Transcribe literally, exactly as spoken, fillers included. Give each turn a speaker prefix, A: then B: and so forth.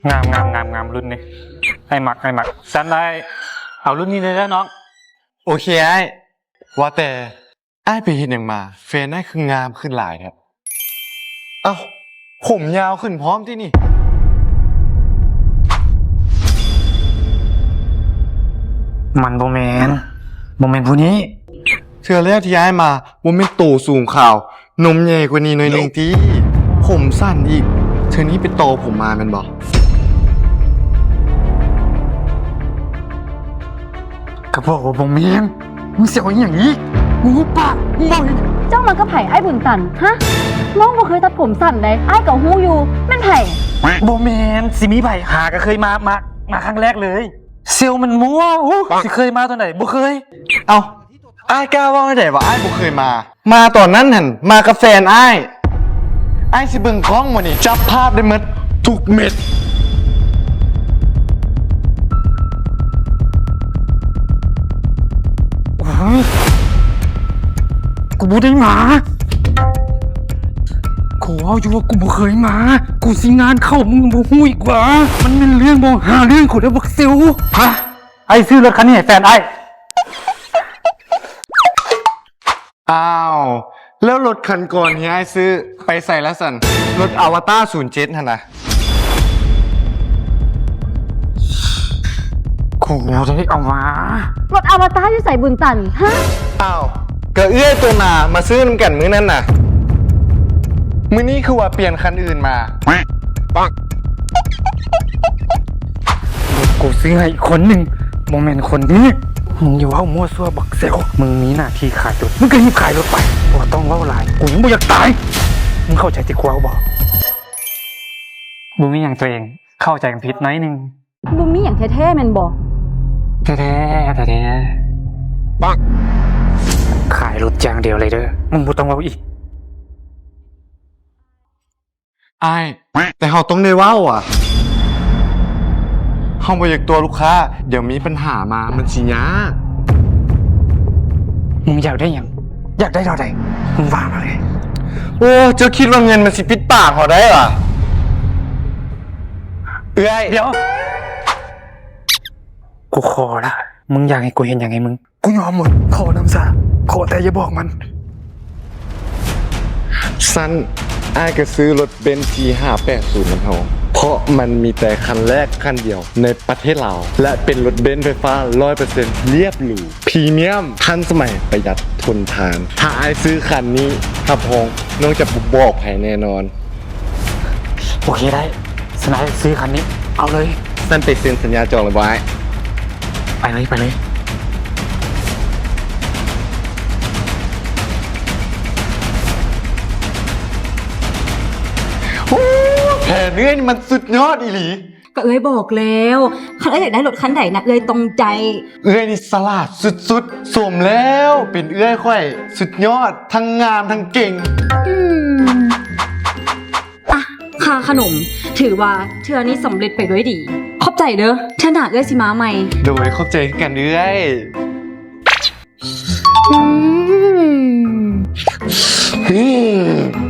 A: งามงามงามงามรุ่นนี้ไอ้หมักไอ้หมักสันได้เอารุ่นนี้เลยแล้วน้อง
B: โอเคไอ้ว่าแต่ไอ้ไปเห็นอย่างมาแฟนไอ้คืองามขึ้นหลายครับเอ้าผมยาวขึ้นพร้อมที่นี่
A: มันโบแมนโบแมนผู้นี้
B: เทื่อแรกที่ย้ายมาว่าไม่โตสูงข่าวนมใหญ่กว่านี้หน่อยหนึ่งทีผมสั้นอีกเธอนี้ไปโตผมมาเป็นบอก
A: กระบอกว่าโบแมนมึงเสียวอย่างนี้มึงปากมึงบอกอย่างนี้
C: เจ้ามันก็ไผ่ไอ้บุญสันฮะน้องบ่เคยตัดผมสั้นเลยไอ้กับฮู้อยู่แม่นไผ่
A: โบแมนสิมีไผ่หาก็เคยมามามาครั้งแรกเลยเซลมันมั่วโอ้สิเคยมาตอนไหนบ่เคย
B: เอาไอ้กล้าว่าไม่ได้ว่าไอ้บ่เคยมามาตอนนั้นหันมากับแฟนไอ้ไอ้สิเบิ่งกล้องมานี่จับภาพได้หมดทุกเม็ด
A: กูบ่ได้มากูเอาอยู่ว่ากูบ่เคยมากูสิงานเข้ามึงบ่ฮู้อีกว่ามันเป็นเรื่องบ่หาเรื่องกูได้บักเซลฮะไอ้ซื้อรถคันนี้ให้แฟนไอ้
B: อ้าวแล้วรถคันก่อนที่ไอ้ซื้อไปใส่แล้วสันรถอวตารศูนย์เจ็ดหั่นน่ะ
A: กูได้เอามาร
C: ถอวตารอยู่ใส่บุญสันฮะ
B: อ้าวก็เอื้อยตัวหนามาซื้อน้ำกันมื้อนั้นน่ะมื้อนี้คือว่าเปลี่ยนคันอื่นมาปัง
A: กูซื้อให้อีกคนหนึ่งโมเมนต์คนนี้มึงอย่าว่ามั่วซั่วบักเซลมึงมีหน้าที่ขายรถมึงก็รีบขายรถไปบ่ต้องเล่าหลายกูยังไม่อยากตายมึงเข้าใจที่กูเอาบอกมึงมีอย่างตัวเองเข้าใจกันผิดน้อยนึง
C: บุญมีอย่างแท้ๆแม่นบ่
A: แท้แท้แท้แท้ปังขายรถอย่างเดียวเลยเด้อมึงบ่ต้องเล่าอีก
B: ไอ้แต่เขาต้องได้ว่าอ่ะเขาบ่อยากตัวลูกค้าเดี๋ยวมีปัญหามามันสิยาก
A: มึงอยากได้ยังอยากได้เท่าไหร่มึงว่ามาเลย
B: โอ้เจ้าคิดว่าเงินมันสิปิดปากเขาได้เหรอเอ้ย
A: เดี๋ยวกูขอละมึงอยากให้กูเห็นยังไงมึงกูยอมหมดขอน้ำซาขอแต่อย่าบอกมัน
B: สั้นไอ้ก็ซื้อรถเบนซ์ ที ห้าแปดศูนย์มันเฮาเพราะมันมีแต่คันแรกคันเดียวในประเทศลาวและเป็นรถเบนซ์ไฟฟ้า ร้อยเปอร์เซ็นต์ เรียบหรูพรีเมียมทันสมัยประหยัดทนทานถ้าไอ้ซื้อคันนี้ครับพงน้องจะบอกไผแน่นอน
A: โอเคได้สนายซื้อคันนี้เอาเลย
B: สั้นไปเซ็นสัญญาจองเลยไว้
A: ไปเลยไปเลย
B: แผนเอ้ยมันสุดยอดอีหลี
C: ก็เอ้ยบอกแล้วคันเอ้ยอยากได้รถคันไหนนะเอ้ยตรงใจ
B: เอ้ยนี่สลัดสุดๆสมแล้วเป็นเอ้ยค่อยสุดยอดทั้งงามทั้งเก่ง
C: อืมอ่ะค่าขนมถือว่าเทื่อนี้สำเร็จไปด้วยดีขอบใจเด้อเทื่อหน้าเอ้ยสิมาใหม่
B: โดยขอบใจกันเอ้ย
C: อืม
B: อืม